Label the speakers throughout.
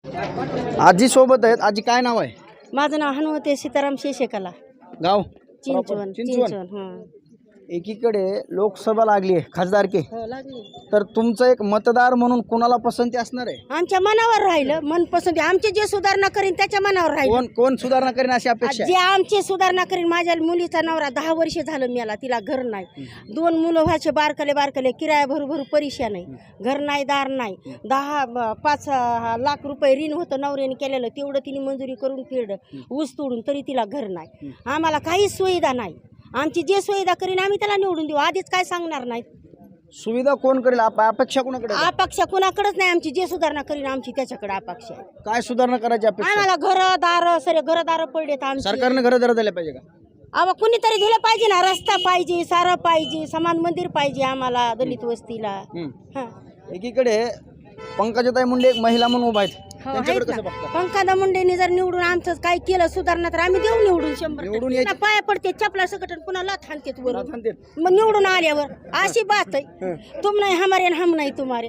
Speaker 1: आजी सोबत आहेत. आजी काय नाव आहे?
Speaker 2: माझं नाव हनुमते सीताराम शेषेकला,
Speaker 1: गाव
Speaker 2: चिंचवण.
Speaker 1: चिंचवण.
Speaker 2: चिंचवण
Speaker 1: एकीकडे लोकसभा लागली आहे, खासदारकी,
Speaker 2: हो लागली.
Speaker 1: तर तुमचं एक मतदार म्हणून कोणाला पसंती असणार आहे?
Speaker 2: आमच्या मनावर राहिलं, मनपसंती आमचे जे सुधारणा करीन त्याच्या मनावर राहिलं.
Speaker 1: कोण कोण सुधारणा करेन अशी अपेक्षा
Speaker 2: जे आमचे सुधारणा करीन. माझ्या मुलीचा नवरा 10 वर्ष झालं मेला, तिला घर नाही. 2 मुलं व्हायचे बारकले किराया भरू परिशा नाही, घर नाही, दार नाही. 5 लाख रुपये ऋण होतं नवऱ्याने केलेलं, तेवढं तिने मंजुरी करून फेडलं ऊस तोडून, तरी तिला घर नाही. आम्हाला काहीच सुविधा नाही. आमची जे सुविधा करीन आम्ही त्याला निवडून देऊ. आधीच काय सांगणार नाही.
Speaker 1: सुविधा कोण करेल? अपेक्षा कोणाकडे आहे?
Speaker 2: अपेक्षा कुणाकडेच नाही. आमची जे सुधारणा करीन आमची त्याच्याकडे अपेक्षा आहे.
Speaker 1: काय सुधारणा करायची अपेक्षा?
Speaker 2: आम्हाला घरदार सरे घरदार पडलेत आमची.
Speaker 1: सरकारने घरदार दिले पाहिजे का?
Speaker 2: अहो कुणीतरी दिलं पाहिजे ना. रस्ता पाहिजे, सारं पाहिजे, समान मंदिर पाहिजे आम्हाला दलित वस्तीला. हा.
Speaker 1: एकीकडे पंकजाताई मुंडे एक महिला म्हणून उभा आहेत,
Speaker 2: हो,
Speaker 1: त्यांच्याकडे
Speaker 2: आहेत
Speaker 1: कसं
Speaker 2: ना.
Speaker 1: बघता?
Speaker 2: पंकजा मुंडेंनी जर निवडून आमचं काय केलं सुधारणा तर आम्ही देऊ निवडून. 100
Speaker 1: निवडून यायचं.
Speaker 2: पाया पडते चपला सकट पुन्हा थांबते वरून.
Speaker 1: थांबते.
Speaker 2: मग निवडून आल्यावर अशी बात आहे. तुम नाही हमारे आणि हम नाही तुम्हारे.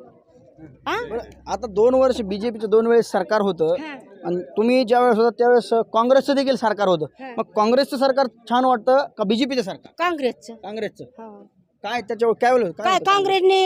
Speaker 1: बरं, आता 2 वर्ष बीजेपीचं 2 वेळेस सरकार होतं
Speaker 2: हा.
Speaker 1: आणि तुम्ही ज्यावेळेस होता त्यावेळेस काँग्रेसचं देखील सरकार होतं.
Speaker 2: हा.
Speaker 1: मग काँग्रेसचं सरकार छान वाटतं का बीजेपीचं सरकार?
Speaker 2: काँग्रेसचं.
Speaker 1: काँग्रेसचं.
Speaker 2: हो.
Speaker 1: काय त्याच्यावर काय बोलू?
Speaker 2: काय काँग्रेसने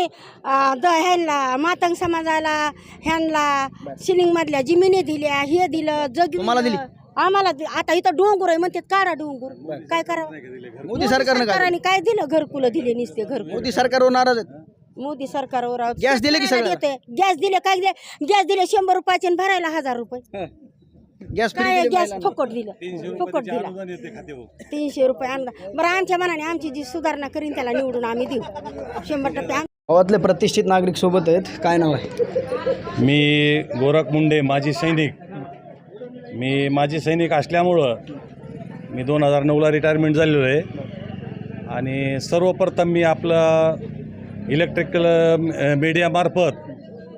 Speaker 2: ह्यांना मातंग समाजाला ह्यांना सिलिंग मधल्या जमिनी दिल्या, हे दिलं,
Speaker 1: तुम्हाला दिली?
Speaker 2: आम्हाला आता इथं डोंगर आहे म्हणतात, काढा डोंगर. काय करावं?
Speaker 1: मोदी सरकारने
Speaker 2: काय दिलं? घरकुलं दिले नुसते घरकुल.
Speaker 1: मोदी सरकारवर नाराज आहेत.
Speaker 2: मोदी सरकारवर
Speaker 1: गॅस दिले की सगळं?
Speaker 2: गॅस दिले. काय गॅस दिले 100 रुपयाचे आणि भरायला 1000 रुपये.
Speaker 1: गॅस फ्री
Speaker 2: काय
Speaker 1: दिले
Speaker 2: गॅस
Speaker 1: महिलांना.
Speaker 2: फुकट दिलं, फुकट दिला. 300 रुपये आणला. बरं आमच्या मनाने आमची जी सुधारणा करीन त्याला निवडून आम्ही देऊ 100%.
Speaker 1: गावातले प्रतिष्ठित नागरिक सोबत आहेत. काय नाव आहे?
Speaker 3: मी गोरख मुंडे, माजी सैनिक. मी माजी सैनिक असल्यामुळं मी 2009ला रिटायरमेंट झालेलो आहे. आणि सर्वप्रथम मी आपलं इलेक्ट्रिकल मीडियामार्फत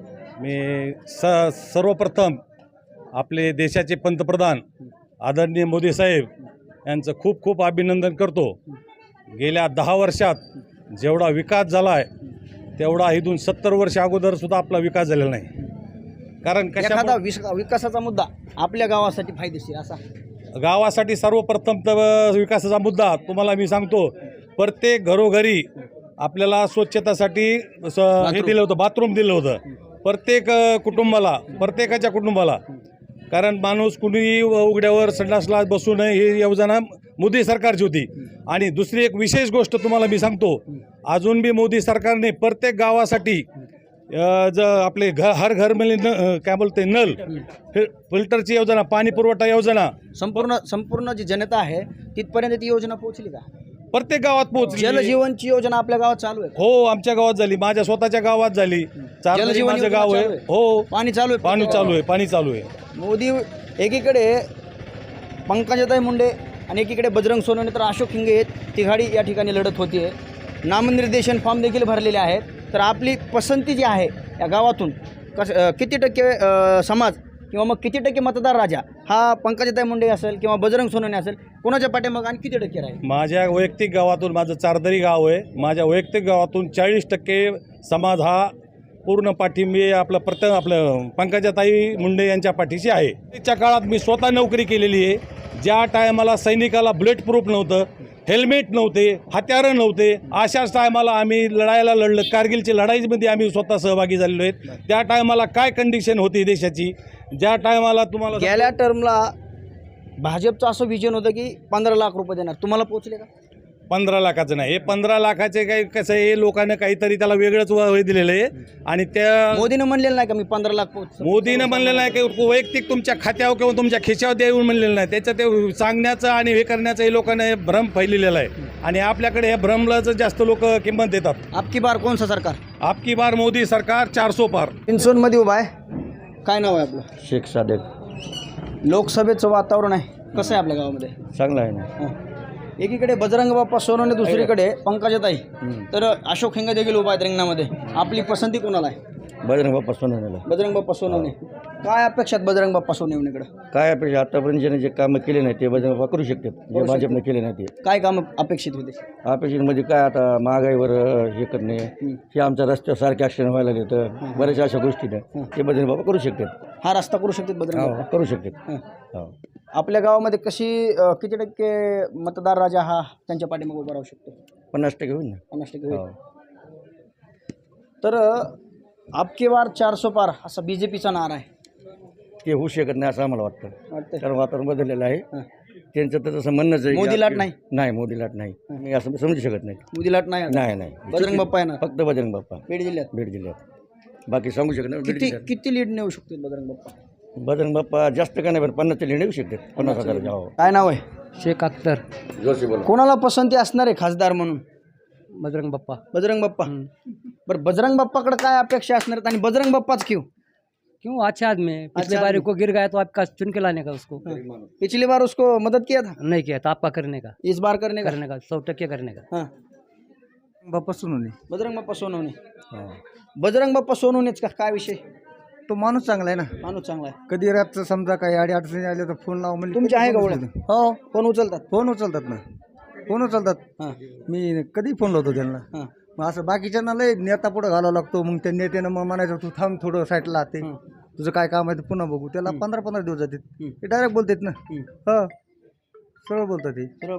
Speaker 3: मी सर्वप्रथम आपले देशाचे पंतप्रधान आदरणीय मोदी साहेब यांचं खूप खूप अभिनंदन करतो. गेल्या 10 वर्षात जेवढा विकास झाला आहे तेवढा इथून 70 वर्ष अगोदरसुद्धा आपला विकास झालेला नाही. कारण
Speaker 1: एखादा विकासाचा मुद्दा आपल्या गावासाठी फायदेशीर असा?
Speaker 3: गावासाठी सर्वप्रथम तर विकासाचा मुद्दा तुम्हाला मी सांगतो. प्रत्येक घरोघरी आपल्याला स्वच्छतासाठी हे दिलं होतं, बाथरूम दिलं होतं प्रत्येक कुटुंबाला, प्रत्येकाच्या कुटुंबाला. कारण माणूस कुणीही उघड्यावर संडासला बसू नये ही योजना मोदी सरकारची होती. आणि दुसरी एक विशेष गोष्ट तुम्हाला मी सांगतो, अजून बी मोदी सरकारने प्रत्येक गावासाठी आपले हर घर मिळणे काय बोलते नल फिल्टरची योजना, पाणी पुरवठा योजना
Speaker 1: संपूर्ण जी जनता आहे तिथपर्यंत ती योजना पोहोचली का?
Speaker 3: प्रत्येक गावात पोहोचली.
Speaker 1: जलजीवनची योजना आपल्या गावात चालू आहे?
Speaker 3: हो, आमच्या गावात झाली, माझ्या स्वतःच्या गावात झाली.
Speaker 1: जलजीवन
Speaker 3: माझं गाव आहे. हो,
Speaker 1: पाणी चालू आहे.
Speaker 3: पाणी चालू आहे.
Speaker 1: मोदी एकीकडे पंकजाताई मुंडे आणि एकीकडे बजरंग सोनवणे तर अशोक हिंगे आहेत. तिघाडी या ठिकाणी लढत होती. नामनिर्देशन फॉर्म देखील भरलेले आहेत. तर आपली पसंती जी आहे या गावातून किती टक्के समाज किंवा मग किती टक्के मतदार राजा हा पंकजाताई मुंडे असेल किंवा बजरंग सोनवणे असेल, कोणाच्या पाठीमागे आणि किती टक्के राहील?
Speaker 3: माझ्या वैयक्तिक गावातून, माझं चारदरी गाव आहे, माझ्या वैयक्तिक गावातून 40% समाज हा पूर्ण पाठिंबे आपलं पंकजाताई मुंडे यांच्या पाठीशी आहे. त्याच्या काळात मी स्वतः नोकरी केलेली आहे. ज्या टायमाला सैनिकाला बुलेट प्रूफ नव्हतं, हेल्मेट नव्हते, हत्यारं नव्हते, अशाच टायमाला आम्ही लढायला लढलं. कारगिलच्या लढाईमध्ये आम्ही स्वतः सहभागी झालेलो आहेत. त्या टायमाला काय कंडिशन होती देशाची, ज्या टायमाला तुम्हाला
Speaker 1: गेल्या टर्मला भाजपचं असं विजन होतं की 15 लाख रुपये देणार, तुम्हाला पोहोचले का?
Speaker 3: 15 लाखाचं नाही, हे 15 लाखाचे काही कसं आहे, लोकांना काहीतरी त्याला वेगळंच वय दिलेलं आहे. आणि त्या
Speaker 1: मोदीनं म्हणलेलं नाही का मी 15 लाख पोहोच?
Speaker 3: मोदीनं म्हणलेलं नाही की वैयक्तिक तुमच्या खात्यावर किंवा तुमच्या खिशावर देऊन म्हणलेलं नाही. त्याचं ते सांगण्याचं आणि हे करण्याचं हे लोकांना भ्रम फैललेला आहे. आणि आपल्याकडे हे भ्रमलाच जास्त लोक किंमत देतात.
Speaker 1: आपकी बार कोणचं सरकार?
Speaker 3: आपकी बार मोदी सरकार 400 पार.
Speaker 1: चिंचवणमध्ये उभा आहे. काय नाव आहे आपलं?
Speaker 4: शेख सादेक.
Speaker 1: लोकसभेचं वातावरण आहे कसं आहे आपल्या गावामध्ये?
Speaker 4: चांगला आहे ना.
Speaker 1: एकीकडे बजरंग बाप्पा सोनवणे, दुसरीकडे पंकजाताई, तर अशोक हिंगे देखील उभा आहेत रिंगणामध्ये. आपली पसंती कोणाला आहे?
Speaker 4: बजरंग बाप्पा सोनवणेला.
Speaker 1: बजरंग बाप्पा सोनवणे. काय अपेक्षा आहेत बजरंग बाप्पा सोनवणेकडे?
Speaker 4: काय अपेक्षा आतापर्यंत ज्याने जे कामं केले नाही ते बजरंग बाप्पा करू शकतात, जे
Speaker 1: शकतात.
Speaker 4: भाजपने केले नाही ते.
Speaker 1: काय काम अपेक्षित होते?
Speaker 4: अपेक्षित म्हणजे काय, आता महागाईवर हे करणे, हे आमच्या रस्त्यावर सारखे ॲक्सिडेंट व्हायला लागले तर बऱ्याचशा अशा गोष्टी नाही ते बजरंग बाप्पा करू शकतात.
Speaker 1: हा रस्ता करू शकतात बजरंग बाप्पा?
Speaker 4: करू शकतात. हो.
Speaker 1: आपल्या गावामध्ये किती टक्के मतदार राजा हा त्यांच्या पाठीमागे उभा राहू शकतो?
Speaker 4: 50% होईल ना.
Speaker 1: 50%
Speaker 4: हो.
Speaker 1: होईल. तर आपके बार 400 पार असा बीजेपीचा नारा आहे.
Speaker 4: ते होऊ शकत नाही असं आम्हाला वाटतं,
Speaker 1: वाटतंय?
Speaker 4: कारण वातावरण बदललेलं आहे. त्यांचं तर तसं म्हणणंच आहे.
Speaker 1: मोदी लाट नाही?
Speaker 4: नाही, मोदी लाट नाही. मी असं समजू शकत नाही.
Speaker 1: मोदी लाट नाही?
Speaker 4: नाही नाही,
Speaker 1: बजरंग बाप्पा आहे ना
Speaker 4: फक्त बजरंग बाप्पा
Speaker 1: बीड जिल्ह्यात.
Speaker 4: बीड जिल्ह्यात. बाकी सांगू शकत नाही. बीड
Speaker 1: किती
Speaker 4: जिल्ह्यात
Speaker 1: किती लीड नेऊ शकतो बजरंग बाप्पा?
Speaker 4: बजरंग बाप्पा जास्त का नाही, पण 50 लिहिणे येऊ शकतात. 50,000. हो.
Speaker 1: काय नाव आहे?
Speaker 5: शेख अख्तर.
Speaker 4: जोशी बोला.
Speaker 1: कोणाला पसंती असणार आहे खासदार म्हणून?
Speaker 5: बजरंग बप्पा.
Speaker 1: बजरंग बाप्पा. बरं, बजरंग बाप्पाकडे काय अपेक्षा असणार आहेत आणि बजरंग बाप्पाच क्यों?
Speaker 5: क्यों? अच्छे आदमी है, पिछले
Speaker 1: अच्छा
Speaker 5: बारी
Speaker 1: आदमी।
Speaker 5: को गिर गया तो आपका चुन के लाने का उसको
Speaker 1: पिछली बार उसको मदद किया था,
Speaker 5: नहीं किया तो आपका करने का
Speaker 1: इस बार करने का?
Speaker 5: 100% करने का.
Speaker 1: हाँ.
Speaker 6: बाप्पा सोनवणे.
Speaker 1: बजरंग बाप्पा सोनवणे. बजरंग बाप्पा सोनवणेच का? काय विषय?
Speaker 6: तो माणूस चांगला आहे ना.
Speaker 1: माणूस चांगला आहे.
Speaker 6: कधी रातचं समजा काही अडचणी आल्या तर फोन लाव म्हणजे
Speaker 1: तुमचे आहे का ओळख?
Speaker 6: हो,
Speaker 1: फोन उचलतात?
Speaker 6: फोन उचलतात ना, फोन उचलतात.
Speaker 1: हां
Speaker 6: मी कधी फोन लावतो त्यांना.
Speaker 1: हां
Speaker 6: मग असं बाकीच्यांना लय नेता पुढं घालावं लागतो. मग त्या नेत्यानं मग म्हणायचं तू थांब थोडं साईडला ते
Speaker 1: हां.
Speaker 6: तुझं काय काम आहे ते पुन्हा बघू. त्याला 15-15 दिवस जातात.
Speaker 1: हं.
Speaker 6: ते डायरेक्ट बोलतात ना. हो, सरळ बोलतात ते.
Speaker 1: सरळ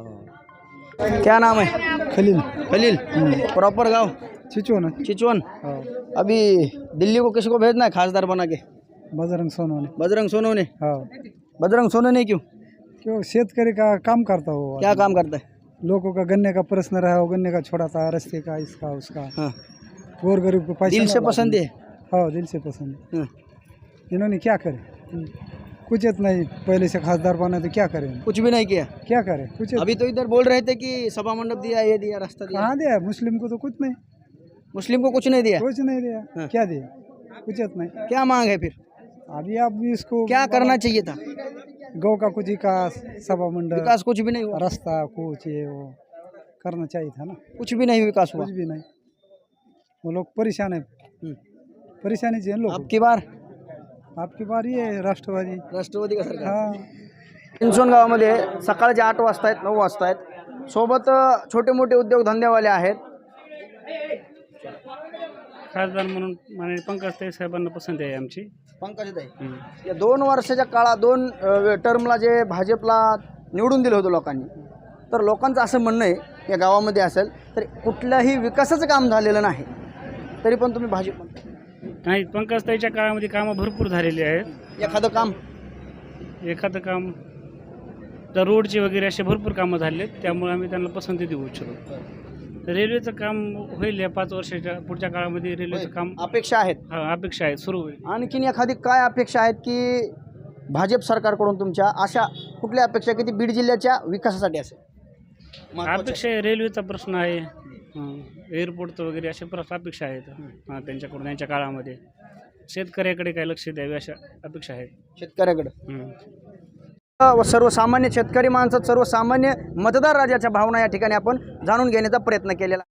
Speaker 1: बोलते. क्या नाम है?
Speaker 6: खलील.
Speaker 1: खलील. प्रॉपर गांव
Speaker 6: चिचो ना.
Speaker 1: चिचवन. अभी दिल्ली को किसी को भेजना है खासदार बना के?
Speaker 6: बजरंग सोनवणे.
Speaker 1: बजरंग सोनवणे.
Speaker 6: हो,
Speaker 1: बजरंग सोनवणे क्यों?
Speaker 6: क्यों? शेतकरी का काम करता हो.
Speaker 1: क्या काम करता है?
Speaker 6: लोगों का गन्ने का प्रश्न रहा हो, गन्ने का छोड़ा था, रास्ते का, इसका उसका,
Speaker 1: हाँ.
Speaker 6: गोर गरीब को पैसा
Speaker 1: दिल से
Speaker 6: ना
Speaker 1: पसंद है?
Speaker 6: हाँ, दिल से पसंद है.
Speaker 1: हाँ.
Speaker 6: इन्होंने क्या करे? कुछ नहीं, पहले से खासदार बना तो क्या करें?
Speaker 1: कुछ भी नहीं किया.
Speaker 6: क्या करे? कुछ
Speaker 1: अभी तो इधर बोल रहे थे कि सभा मंडप दिया, ये दिया, रास्ता दिया.
Speaker 6: कहाँ दिया? मुस्लिम को तो कुछ नहीं,
Speaker 1: मुस्लिम को कुछ नहीं दिया.
Speaker 6: कुछ नहीं दिया.
Speaker 1: हाँ.
Speaker 6: क्या दिया? कुछ नहीं.
Speaker 1: क्या मांग है फिर?
Speaker 6: अभी आप भी इसको
Speaker 1: क्या करना चाहिए था?
Speaker 6: गौ का कुछ विकास, सभा मंडल,
Speaker 1: विकास कुछ भी नहीं हुआ.
Speaker 6: रास्ता कुछ ये वो करना चाहिए था ना.
Speaker 1: कुछ भी नहीं विकास हुआ.
Speaker 6: कुछ भी नहीं. वो लोग परेशान है. परेशानी से लोग.
Speaker 1: आपकी बार
Speaker 6: आपकी बारी है राष्ट्रवादी.
Speaker 1: राष्ट्रवादी का सरकार.
Speaker 6: हाँ.
Speaker 1: चिंचवण गावामध्ये सकाळचे 8 वाजता आहेत, 9 वाजता आहेत. सोबत छोटे मोठे उद्योगधंदेवाले आहेत.
Speaker 7: खासदार म्हणून माननीय पंकजताई साहेबांना पसंती आहे आमची.
Speaker 1: पंकजताई, या 2 वर्षाच्या काळात 2 टर्मला जे भाजपला निवडून दिलं होतं लोकांनी, तर लोकांचं असं म्हणणं आहे या गावामध्ये असेल तर कुठल्याही विकासाचं काम झालेलं नाही, तरी पण तुम्ही भाजप म्हणता.
Speaker 7: नाही, पंकजताईच्या काळामध्ये कामं भरपूर झालेली आहेत.
Speaker 1: एखादं काम?
Speaker 7: एखादं काम तर रोडचे वगैरे असे भरपूर कामं झाले आहेत, त्यामुळे आम्ही त्यांना पसंती देऊ इच्छितो. तर रेल्वेचं काम होईल या 5 वर्षाच्या पुढच्या काळामध्ये रेल्वेचं काम
Speaker 1: अपेक्षा आहेत.
Speaker 7: अपेक्षा आहेत, सुरू होईल.
Speaker 1: आणखीन एखादी काय अपेक्षा आहेत की भाजप सरकारकडून तुमच्या अशा कुठल्या अपेक्षा की ती बीड जिल्ह्याच्या विकासासाठी असेल?
Speaker 7: अपेक्षा आहे, रेल्वेचा प्रश्न आहे, एअरपोर्टचं वगैरे असे अपेक्षा आहेत त्यांच्याकडून त्यांच्या काळामध्ये. शेतकऱ्याकडे काय लक्ष द्यावे अशा अपेक्षा आहेत
Speaker 1: शेतकऱ्याकडे. सर्वसामान्य शेतकरी माणसं, सर्वसामान्य मतदार राजाच्या भावना या ठिकाणी आपण जाणून घेण्याचा प्रयत्न केलेला.